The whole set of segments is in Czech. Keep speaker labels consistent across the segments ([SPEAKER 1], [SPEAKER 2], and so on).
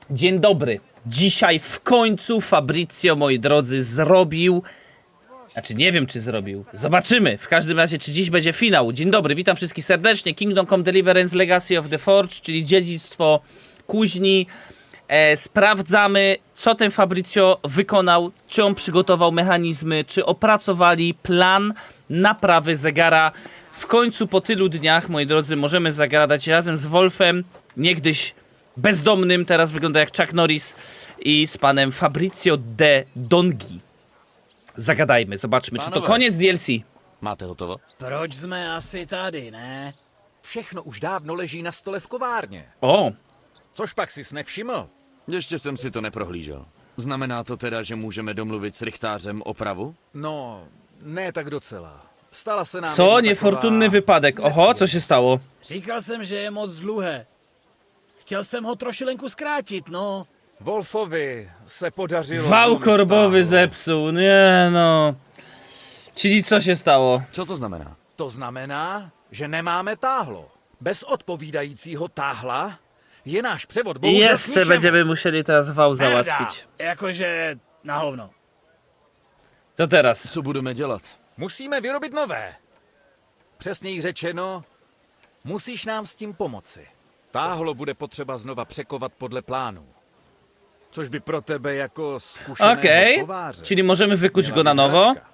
[SPEAKER 1] Dzień dobry. Dzisiaj w końcu Fabrizio, moi drodzy, zrobił... Znaczy, nie wiem, czy zrobił. Zobaczymy. W każdym razie, czy dziś będzie finał. Dzień dobry, witam wszystkich serdecznie. Kingdom Come Deliverance Legacy of the Forge, czyli dziedzictwo kuźni. Sprawdzamy, co ten Fabrizio wykonał, czy on przygotował mechanizmy, czy opracowali plan naprawy zegara. W końcu po tylu dniach, moi drodzy, możemy zagadać razem z Wolfem, niegdyś bezdomnym, teraz wygląda jak Chuck Norris, i z panem Fabrizio de Dongi. Zagadajmy, zobaczmy, czy to koniec DLC.
[SPEAKER 2] Máte hotovo?
[SPEAKER 3] Proč jsme asi tady, ne?
[SPEAKER 4] Všechno už dávno leží na stole v kovárně.
[SPEAKER 1] O,
[SPEAKER 4] Což pak jsi nevšiml?
[SPEAKER 2] Ještě jsem si to neprohlížel. Znamená to teda, že můžeme domluvit s rychtářem opravu?
[SPEAKER 4] No, ne tak docela. Stala se nám
[SPEAKER 1] co?
[SPEAKER 4] jedna
[SPEAKER 1] Niefortunny
[SPEAKER 4] taková
[SPEAKER 1] wypadek. Oho, co się stało?
[SPEAKER 3] Říkal jsem, že je moc dluhé. Chtěl jsem ho trošilenku zkrátit, no.
[SPEAKER 4] Wolfovi se podařilo...
[SPEAKER 1] Wał
[SPEAKER 4] zlomit
[SPEAKER 1] korbowy
[SPEAKER 4] táhlo.
[SPEAKER 1] zepsuł, nie no. Czyli co się stało?
[SPEAKER 2] Co to znamená?
[SPEAKER 4] To znamená, že nemáme táhlo. Bez odpovídajícího táhla je náš převod
[SPEAKER 1] I
[SPEAKER 4] bohužel k
[SPEAKER 1] jeszcze
[SPEAKER 4] ničemu.
[SPEAKER 1] będziemy musieli teraz wał
[SPEAKER 4] Merda.
[SPEAKER 1] załatwić.
[SPEAKER 3] Jakože na hovno.
[SPEAKER 1] To teraz.
[SPEAKER 2] Co budeme dělat?
[SPEAKER 4] Musíme vyrobit nové. Přesněji řečeno, musíš nám s tím pomoci. Táhlo bude potřeba znova překovat podle plánu. Což by pro tebe jako zkušeného
[SPEAKER 1] Okej,
[SPEAKER 4] kováře
[SPEAKER 1] czyli możemy wykuć
[SPEAKER 4] měla
[SPEAKER 1] go na
[SPEAKER 4] být
[SPEAKER 1] nowo.
[SPEAKER 4] hračka.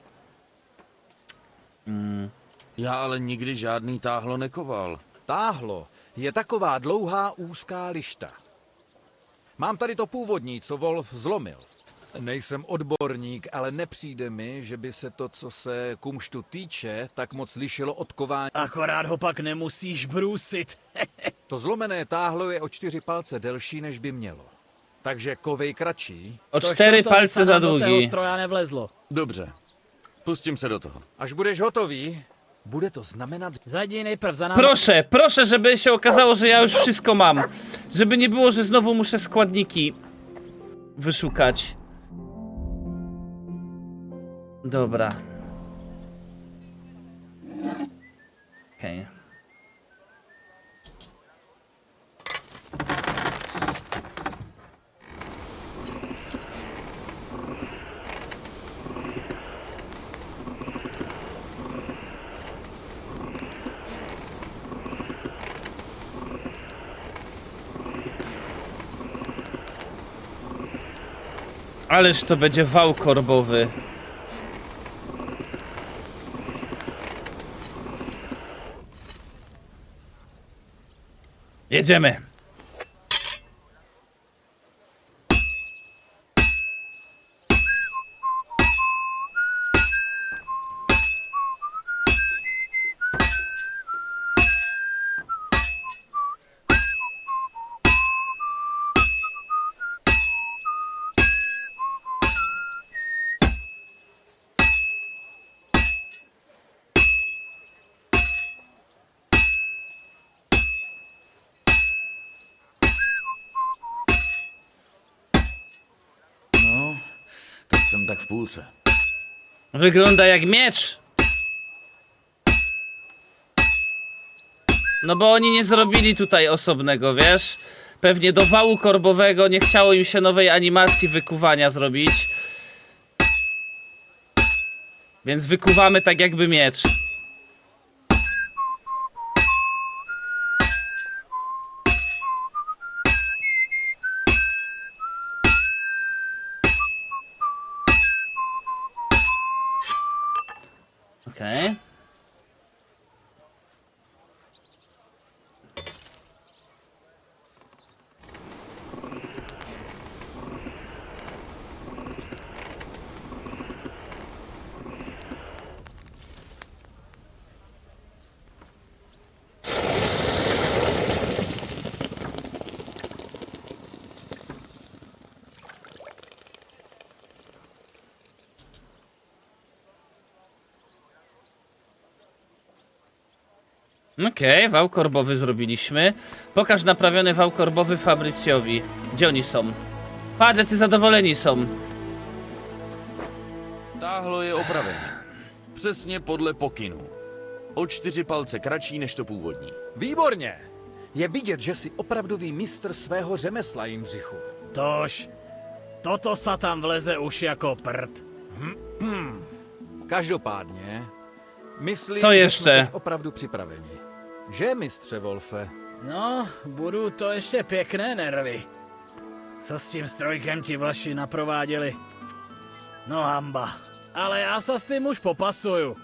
[SPEAKER 2] Já ale nikdy žádný táhlo nekoval.
[SPEAKER 4] Táhlo je taková dlouhá úzká lišta. Mám tady to původní, co Wolf zlomil. Nejsem odborník, ale nepřijde mi, že by se to, co se kumštu týče, tak moc lišilo od kování.
[SPEAKER 3] Akorát ho pak nemusíš brůsit.
[SPEAKER 4] To zlomené táhlo je o 4 palce delší, než by mělo. Takže kovej kratší.
[SPEAKER 1] O
[SPEAKER 3] Tož
[SPEAKER 1] 4
[SPEAKER 3] to
[SPEAKER 1] palce
[SPEAKER 3] by se
[SPEAKER 1] za
[SPEAKER 3] nám do tého
[SPEAKER 1] długi.
[SPEAKER 3] stroja nevlezlo.
[SPEAKER 2] Dobře. Pustím se do toho.
[SPEAKER 4] Až budeš hotový, bude to znamenat...
[SPEAKER 3] Zajdi nejprv za námi.
[SPEAKER 1] Proszę, proszę, żeby się okazało, że ja już wszystko mam. Żeby nie było, że znowu muszę składniki wyszukać. Dobra. Okej. Ależ to będzie wał korbowy. Jedziemy.
[SPEAKER 2] No, tak jsem tak v půlce.
[SPEAKER 1] Wygląda jak miecz. No bo oni nie zrobili tutaj osobnego, wiesz? Pewnie do wału korbowego nie chciało im się nowej animacji wykuwania zrobić. Więc wykuwamy tak jakby miecz. Okej. Okej, wał korbowy zrobiliśmy. Pokaż naprawiony wał korbowy Fabrycjowi. Gdzie oni są? Patrz, jacy zadowoleni są.
[SPEAKER 2] Táhlo je opravené. Přesně podle pokynu. O 4 palce kratší než to původní.
[SPEAKER 4] Výborně! Je vidět, že jsi opravdový mistr svého řemesla, Jindřichu.
[SPEAKER 3] Tož, toto sa tam vleze už jako prd.
[SPEAKER 4] Každopádně, myslím,
[SPEAKER 1] Co
[SPEAKER 4] že
[SPEAKER 1] ještě?
[SPEAKER 4] jsme teď opravdu připraveni. Že, mistře Wolfe?
[SPEAKER 3] No, budu to ještě pěkné nervy. Co s tím strojkem ti vlaši naprováděli? No hamba. Ale já se s tím už popasuju.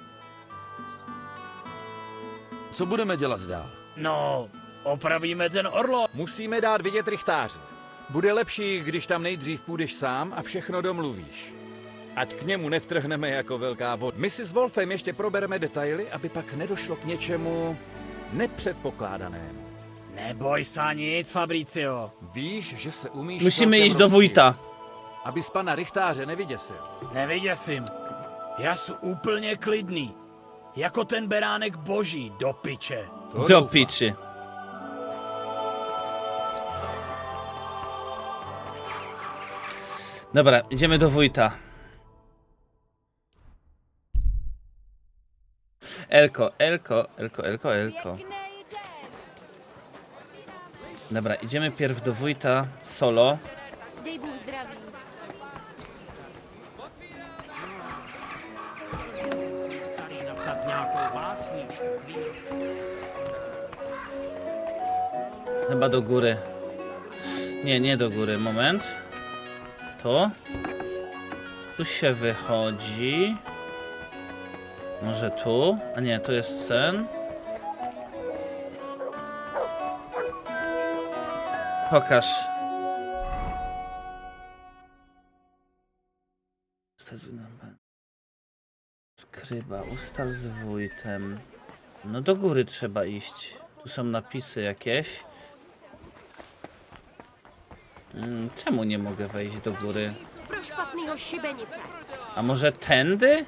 [SPEAKER 2] Co budeme dělat dál?
[SPEAKER 3] No, opravíme ten orlo.
[SPEAKER 4] Musíme dát vidět rychtáře. Bude lepší, když tam nejdřív půjdeš sám a všechno domluvíš. Ať k němu nevtrhneme jako velká voda. My si s Wolfem ještě probereme detaily, aby pak nedošlo k něčemu nepředpokládanému.
[SPEAKER 3] Neboj sa nic, Fabricio.
[SPEAKER 4] Víš, že se umíš
[SPEAKER 1] Musíme
[SPEAKER 4] celkem
[SPEAKER 1] jít do
[SPEAKER 4] rozčílit,
[SPEAKER 1] Vojta.
[SPEAKER 4] Abys pana rychtáře nevyděsil.
[SPEAKER 3] Nevyděsím. Já jsem úplně klidný. Jako ten beránek boží, do piče.
[SPEAKER 4] To
[SPEAKER 1] Do
[SPEAKER 4] doufám.
[SPEAKER 1] piči. Dobra, idziemy do wójta. Elko. Dobra, idziemy pierw do wójta solo.
[SPEAKER 5] Dej Bůh zdraví.
[SPEAKER 1] Chyba do góry. Nie do góry, moment. To. Tu się wychodzi. Może tu? A nie, to jest ten. Pokaż. Skryba, ustal z wójtem. No do góry trzeba iść. Tu są napisy jakieś. Czemu nie mogę wejść do góry?
[SPEAKER 5] Pro špatnýho šibenice.
[SPEAKER 1] A może tędy?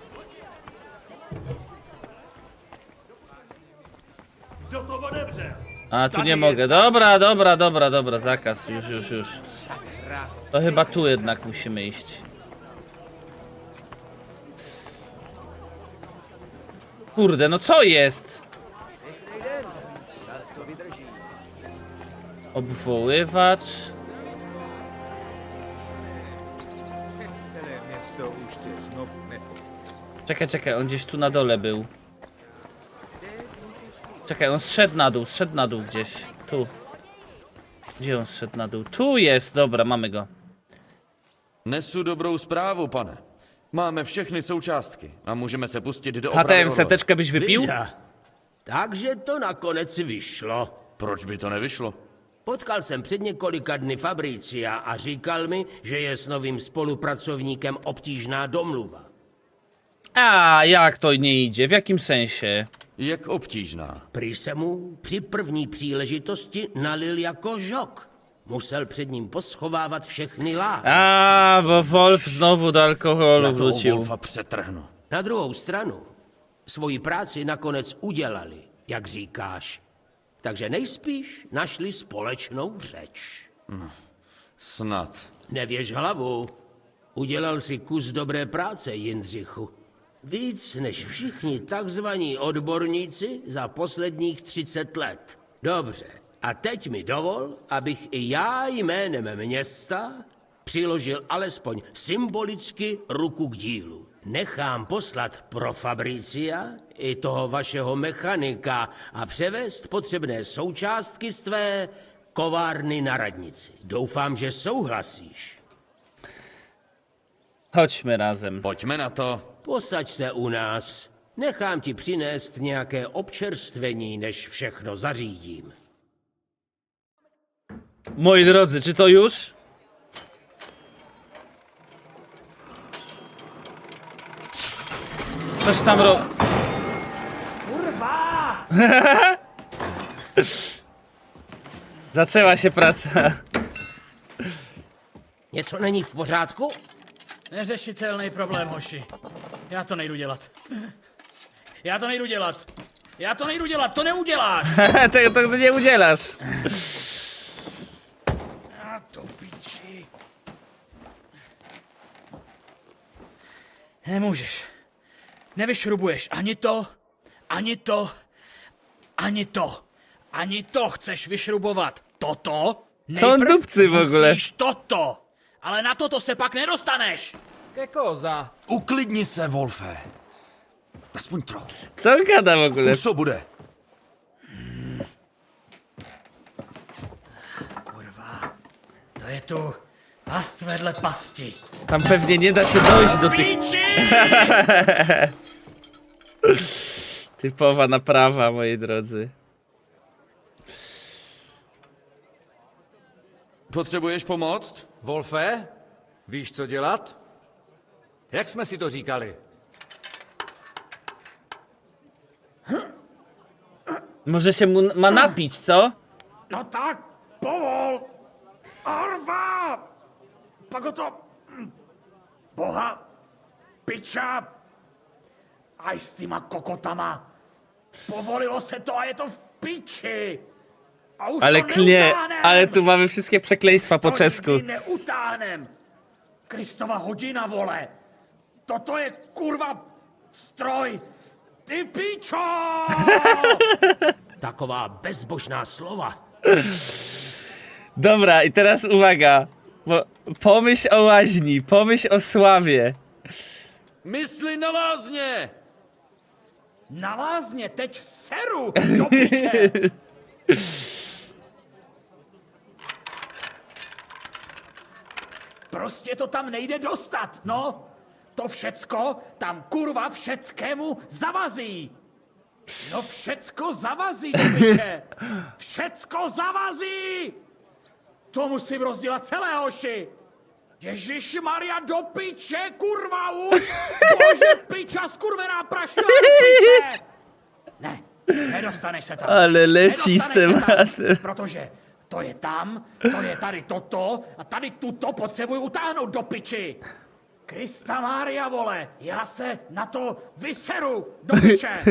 [SPEAKER 1] A tu nie mogę. Dobra, zakaz. Już. To chyba tu jednak musimy iść. Kurde, no co jest? Obwoływacz. Czekaj, on gdzieś tu na dole był. Czekaj, on zszedł na dół gdzieś. Tu. Gdzie on zszedł na dół? Tu jest, dobra, mamy go.
[SPEAKER 2] Nesu dobrou zprávu, pane. Máme všechny součástky a můžeme se pustit do opravy
[SPEAKER 1] HTM
[SPEAKER 2] orlože.
[SPEAKER 1] seteczkę byś wypił?
[SPEAKER 6] Vida. Takže to nakonec vyšlo.
[SPEAKER 2] Proč by to nevyšlo?
[SPEAKER 6] Potkal jsem před několika dny Fabricia a říkal mi, že je s novým spolupracovníkem obtížná domluva.
[SPEAKER 1] A jak to nie idzie? W jakim sensie?
[SPEAKER 2] Jak obtížná?
[SPEAKER 6] Prý se mu při první příležitosti nalil jako žok. Musel před ním poschovávat všechny láhve.
[SPEAKER 1] A, bo Wolf znowu do alkoholu
[SPEAKER 2] Já toho
[SPEAKER 1] wrócił.
[SPEAKER 2] Wolfa přetrhnu.
[SPEAKER 6] Na druhou stranu, svoji práci nakonec udělali, jak říkáš. Takže nejspíš našli společnou řeč.
[SPEAKER 2] Snad.
[SPEAKER 6] Nevěž hlavu. Udělal si kus dobré práce, Jindřichu. Víc než všichni takzvaní odborníci za posledních 30 let. Dobře, a teď mi dovol, abych i já jménem města přiložil alespoň symbolicky ruku k dílu. Nechám poslat pro Fabricia i toho vašeho mechanika a převést potřebné součástky z tvé kovárny na radnici. Doufám, že souhlasíš.
[SPEAKER 1] Chodźmy razem.
[SPEAKER 2] Pojďme na to.
[SPEAKER 6] Posaď se u nás. Nechám ti přinést nějaké občerstvení, než všechno zařídím.
[SPEAKER 1] Moi drodzy, czy to już? Coś tam Kurwa! Zaczęła się praca.
[SPEAKER 6] Něco není v pořádku?
[SPEAKER 3] Neřešitelný problém, hoši. Já to nejdu dělat. To neuděláš.
[SPEAKER 1] Tego nie udzielasz.
[SPEAKER 3] A to piči. Nemůžeš. Nevyšrubuješ ani to. Ani to chceš vyšrubovat. Toto?
[SPEAKER 1] Co on
[SPEAKER 3] Nejprv
[SPEAKER 1] dupcy w ogóle?
[SPEAKER 3] musíš toto. Ale na toto se pak nedostaneš!
[SPEAKER 4] Ke koza.
[SPEAKER 2] Uklidni se, Wolfe. Aspoň trochu.
[SPEAKER 1] Co on gada w ogóle?
[SPEAKER 2] Už to bude.
[SPEAKER 3] Kurva, to je tu past vedle pasti.
[SPEAKER 1] Tam pewnie nie da się dojść do tych...
[SPEAKER 3] Píči!
[SPEAKER 1] Typowa naprawa, moi drodzy.
[SPEAKER 2] Potřebuješ pomoct?
[SPEAKER 4] Wolfe, víš, co dělat? Jak jsme si to říkali?
[SPEAKER 1] Może się mu ma napić, co?
[SPEAKER 3] No tak, povol! Arva! Pak ho to... Boha! Piča! Aj s týma kokotama! Povolilo se to a je to v piči! A už
[SPEAKER 1] Ale
[SPEAKER 3] to
[SPEAKER 1] klnie,
[SPEAKER 3] neutáhnem!
[SPEAKER 1] ale tu mamy wszystkie przekleństwa po
[SPEAKER 3] To
[SPEAKER 1] czesku.
[SPEAKER 3] nikdy neutáhnem! Kristova hodina, vole! Toto je kurva stroj! Ty pičo!
[SPEAKER 6] Taková bezbožná slova.
[SPEAKER 1] Dobra, i teraz uwaga. Bo pomyśl o łaźni, pomyśl o sławie.
[SPEAKER 2] Mysli na lázně!
[SPEAKER 3] Na lázně, teď seru, do piče! Prostě to tam nejde dostat, no! To všecko tam kurva všeckému zavazí! No všecko zavazí, do piče! Všecko zavazí! To musím rozdělat celé, hoši! Ježíš Maria, do piče, kurva už! Bože, piča, skurvená prašila, do piče! Ne, nedostaneš se tam.
[SPEAKER 1] Ale leci z
[SPEAKER 3] Nedostaneš se tam,
[SPEAKER 1] tematem.
[SPEAKER 3] protože to je tam, to je tady toto a tady tuto potřebuji utáhnout do piči. Krista Mária, vole, já se na to vyseru, do piče.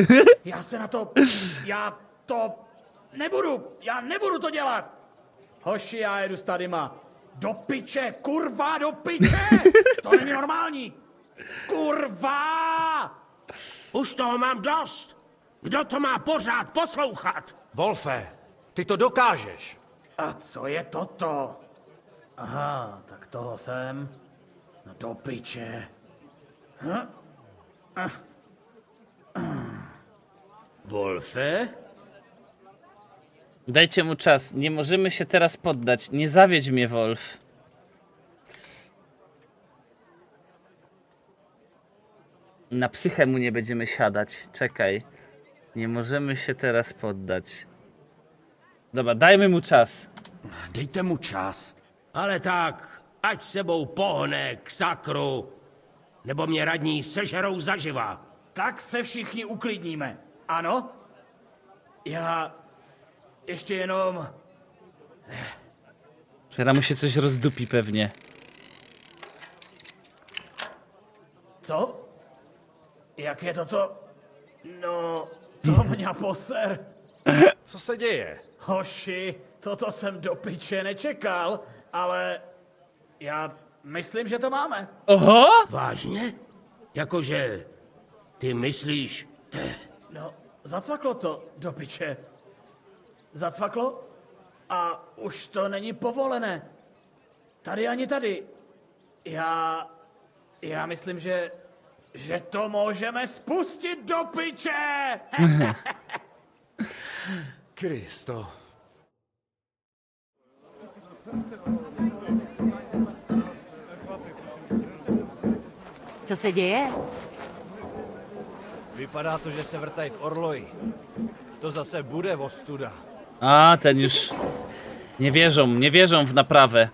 [SPEAKER 3] Já nebudu to dělat. Hoši, já jedu s tadyma. Do piče, kurva, do piče! To není normální. Kurva!
[SPEAKER 6] Už toho mám dost. Kdo to má pořád poslouchat?
[SPEAKER 4] Wolfe, ty to dokážeš.
[SPEAKER 3] A co je toto? Aha, tak toho jsem. No do piče.
[SPEAKER 6] Wolfe?
[SPEAKER 1] Dajcie mu czas, nie możemy się teraz poddać. Nie zawiedź mnie, Wolf. Na psychę mu nie będziemy siadać. Czekaj. Nie możemy się teraz poddać. Dobra, dajmy mu czas.
[SPEAKER 2] Dejte mu čas.
[SPEAKER 6] Ale tak, ať sebou pohne k sakru, nebo mě radní sežerou zaživa.
[SPEAKER 3] Tak se všichni uklidníme. Ano? Já ještě jenom...
[SPEAKER 1] Teraz mu się coś rozdupi pewnie.
[SPEAKER 3] Co? Jak je toto? No, to mě poser.
[SPEAKER 4] Co se děje?
[SPEAKER 3] Hoši, toto jsem do piče nečekal, ale já myslím, že to máme.
[SPEAKER 1] Oho!
[SPEAKER 6] Vážně? Jakože ty myslíš,
[SPEAKER 3] No, zacvaklo to do piče. Zacvaklo a už to není povolené. Tady ani tady. Já myslím, že to můžeme spustit do piče.
[SPEAKER 4] Kristo.
[SPEAKER 5] Co se děje?
[SPEAKER 7] Vypadá to, že se vrtají v Orloji. To zase bude ostuda.
[SPEAKER 1] A, ten już... nie wierzą w naprawę.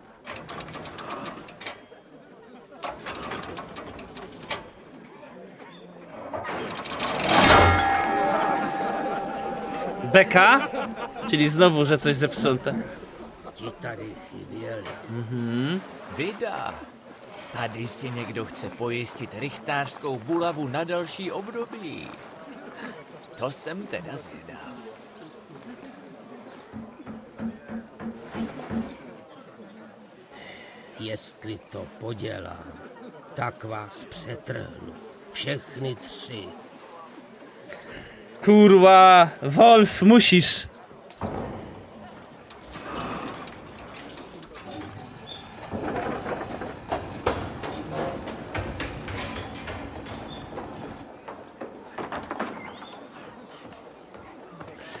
[SPEAKER 1] Beka? Czyli znowu, że coś zepsute.
[SPEAKER 6] ti tady chyběli.
[SPEAKER 7] Vida. Tady si někdo chce pojistit rychtářskou bulavu na další období. To jsem teda zvědav.
[SPEAKER 6] Jestli to podělám, tak vás přetrhnu. Všechny tři.
[SPEAKER 1] Kurwa, Wolf, musisz.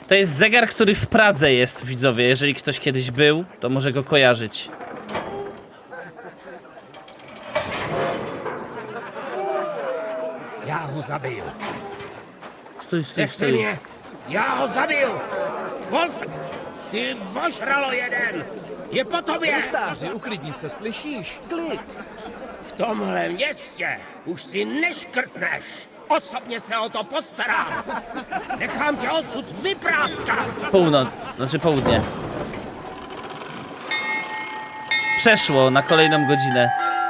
[SPEAKER 1] To jest zegar, który w Pradze jest, widzowie. Jeżeli ktoś kiedyś był, to może go kojarzyć.
[SPEAKER 6] Já ho zabiju.
[SPEAKER 1] Stój, stój,
[SPEAKER 6] Nechte
[SPEAKER 1] stój.
[SPEAKER 6] mě! Já ho zabiju! Wolf! Ty vožralo jeden! Je po tobě!
[SPEAKER 4] Rychtáři, uklidni se, slyšíš? Klid!
[SPEAKER 6] V tomhle městě už si neškrtneš! Osobně se o to postarám! Nechám tě odsud vypráskat!
[SPEAKER 1] Północ, znaczy południe. Przeszło na kolejną godzinę.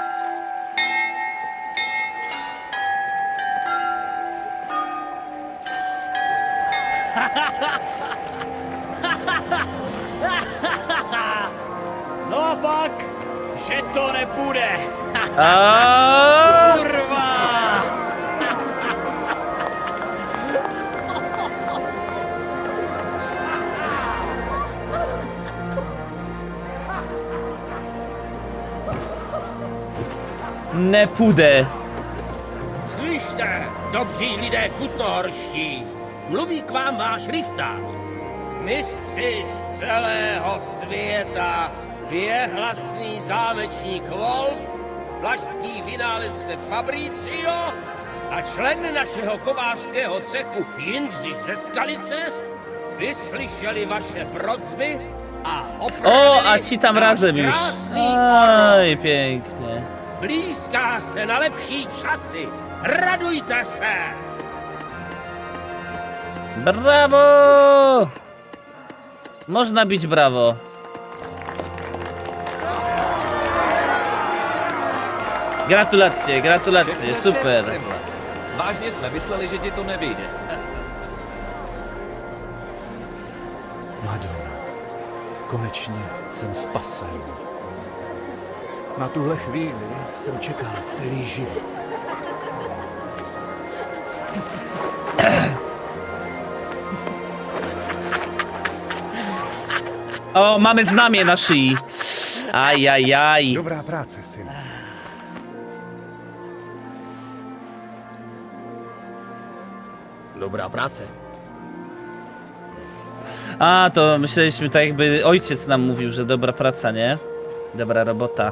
[SPEAKER 3] No a pak, že to nepůjde.
[SPEAKER 1] A
[SPEAKER 3] Kurva!
[SPEAKER 1] nepůjde.
[SPEAKER 6] Slyšte, dobří lidé kutnohorští, mluví k vám váš rychtář. Mistři z celého světa, věhlasný zámečník Wolf, vlašský vynálezce Fabricio a člen našeho kovářského cechu Jindřich ze Skalice vyslyšeli vaše prosby a opravili
[SPEAKER 1] O, a ci tam
[SPEAKER 6] náš
[SPEAKER 1] razem już.
[SPEAKER 6] krásný orlov.
[SPEAKER 1] Oj, pięknie.
[SPEAKER 6] Blízká se na lepší časy. Radujte se!
[SPEAKER 1] Brawo! Można bić brawo. Gratulacje, gratulacje,
[SPEAKER 4] Všechno
[SPEAKER 1] super.
[SPEAKER 4] šest, Primle. Vážně jsme mysleli, že ti to nevyjde.
[SPEAKER 8] Madonna, konečně jsem spasen. Na tuhle chvíli jsem čekal celý život.
[SPEAKER 1] O, mamy znamie na szyi. Ajajaj.
[SPEAKER 8] Dobrá práce, syn.
[SPEAKER 7] Dobrá práce.
[SPEAKER 1] A, to myśleliśmy tak jakby ojciec nam mówił, że dobra praca, nie? Dobra robota.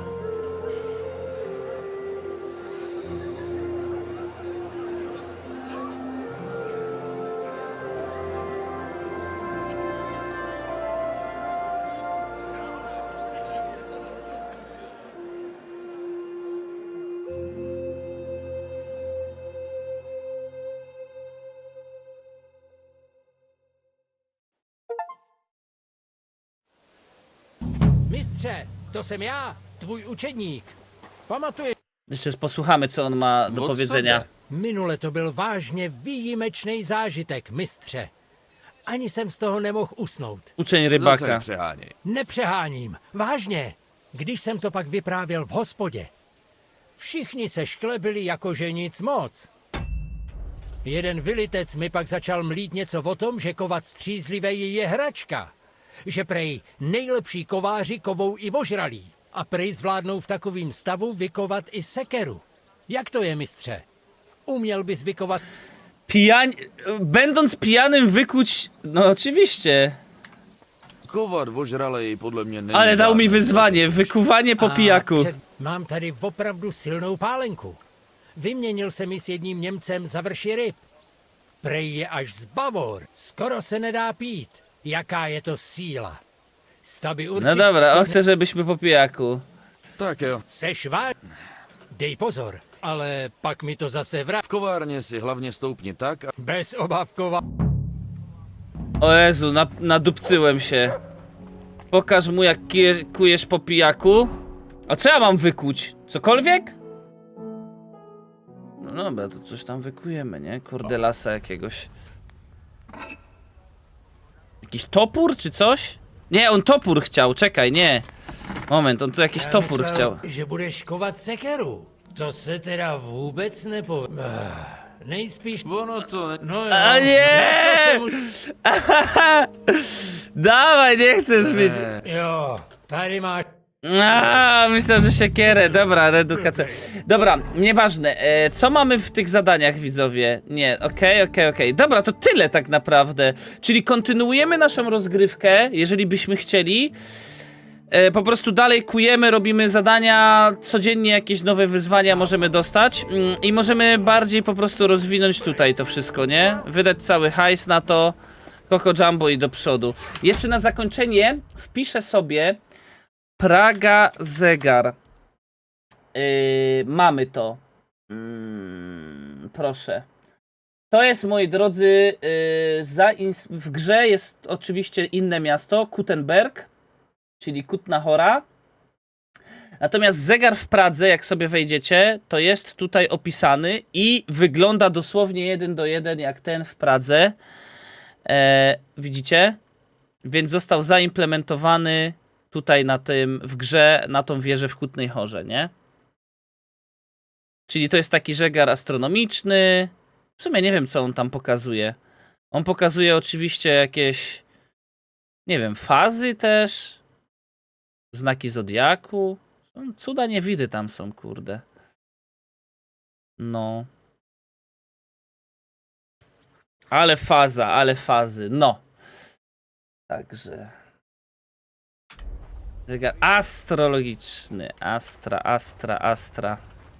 [SPEAKER 9] Mistře, to jsem já, tvůj učedník. Pamatuješ,
[SPEAKER 1] Jeszcze posłuchamy, co on ma do
[SPEAKER 2] Od
[SPEAKER 1] powiedzenia.
[SPEAKER 2] sebe.
[SPEAKER 9] minule to byl vážně výjimečný zážitek, mistře. Ani jsem z toho nemohl usnout.
[SPEAKER 1] Uczeń
[SPEAKER 2] Zase
[SPEAKER 1] rybaka.
[SPEAKER 2] přeháněj.
[SPEAKER 9] Nepřeháním, vážně. Když jsem to pak vyprávěl v hospodě. Všichni se šklebili jakože nic moc. Jeden vylitec mi pak začal mlít něco o tom, že kovat střízlivej je hračka. Že prej nejlepší kováři kovou i ožralí. A prej zvládnou v takovým stavu vykovat i sekeru. Jak to je, mistře? Uměl bys vykovat...
[SPEAKER 1] Będąc pijanym wykuć... No oczywiście.
[SPEAKER 2] Kovat ožralej podle mě není
[SPEAKER 1] Ale dał mi
[SPEAKER 2] žádný
[SPEAKER 1] wyzwanie. Wykuwanie po pijaku.
[SPEAKER 9] Mám tady opravdu silnou pálenku. Vyměnil jsem ji s jedním Němcem za vrši ryb. Prej je až z Bavor. Skoro se nedá pít. Jaká je to síla. Staby určitě...
[SPEAKER 1] No dobra, on chce, żebyśmy po pijaku.
[SPEAKER 2] Tak jo.
[SPEAKER 9] Seš váž... Dej pozor, ale pak mi to zase vrát.
[SPEAKER 2] V kovárně si hlavně stoupni tak,
[SPEAKER 9] Bez obavkova...
[SPEAKER 1] O Jezu, nadupcyłem się. Pokaż mu, jak kujesz po pijaku. A co ja mam wykuć? Cokolwiek? No dobra, to coś tam wykujemy, nie? Kordelasa jakiegoś. Jakiś topór czy coś? Nie, on topór chciał, czekaj, nie. Moment, on tu jakiś topór chciał.
[SPEAKER 9] že budeš kovat sekeru. To se teda vůbec nepo... Nejspíš...
[SPEAKER 2] ono to ne...
[SPEAKER 9] No jo,
[SPEAKER 1] A nie!
[SPEAKER 9] na to se mu...
[SPEAKER 1] Dawaj, nie chcesz mieć.
[SPEAKER 9] Jo, tady máš...
[SPEAKER 1] Myślę, że siekierę. Dobra, reedukacja. Dobra, nieważne. Co mamy w tych zadaniach, widzowie? Nie, okej. Dobra, to tyle tak naprawdę. Czyli kontynuujemy naszą rozgrywkę, jeżeli byśmy chcieli. Po prostu dalej kujemy, robimy zadania, codziennie jakieś nowe wyzwania możemy dostać i możemy bardziej po prostu rozwinąć tutaj to wszystko, nie? Wydać cały hajs na to, Coco Jumbo i do przodu. Jeszcze na zakończenie wpiszę sobie Praga zegar. Mamy to. Proszę. To jest, moi drodzy, w grze jest oczywiście inne miasto, Kuttenberg, czyli Kutna Hora. Natomiast zegar w Pradze, jak sobie wejdziecie, to jest tutaj opisany i wygląda dosłownie 1 do 1 jak ten w Pradze. Widzicie? Więc został zaimplementowany tutaj na tym, w grze, na tą wieżę w Kutnej Horze, nie? Czyli to jest taki zegar astronomiczny. W sumie nie wiem, co on tam pokazuje. On pokazuje oczywiście jakieś, nie wiem, fazy też. Znaki zodiaku. Cuda niewidy tam są, kurde. No. Ale faza, ale fazy. No. Także. Zegar astrologiczny. Astra.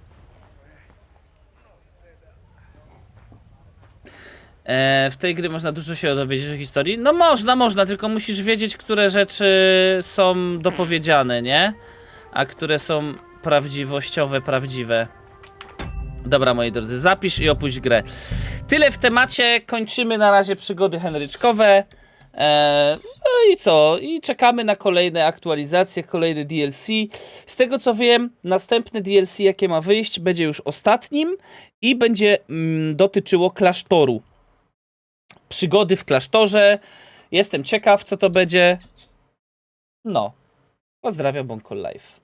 [SPEAKER 1] W tej gry można dużo się dowiedzieć o historii. No można, tylko musisz wiedzieć, które rzeczy są dopowiedziane, nie? A które są prawdziwościowe, prawdziwe. Dobra, moi drodzy, zapisz i opuść grę. Tyle w temacie, kończymy na razie przygody henryczkowe. No i co? I czekamy na kolejne aktualizacje, kolejne DLC. Z tego co wiem, następne DLC, jakie ma wyjść, będzie już ostatnim i będzie dotyczyło klasztoru. Przygody w klasztorze. Jestem ciekaw, co to będzie. No. Pozdrawiam, Bonkol Live.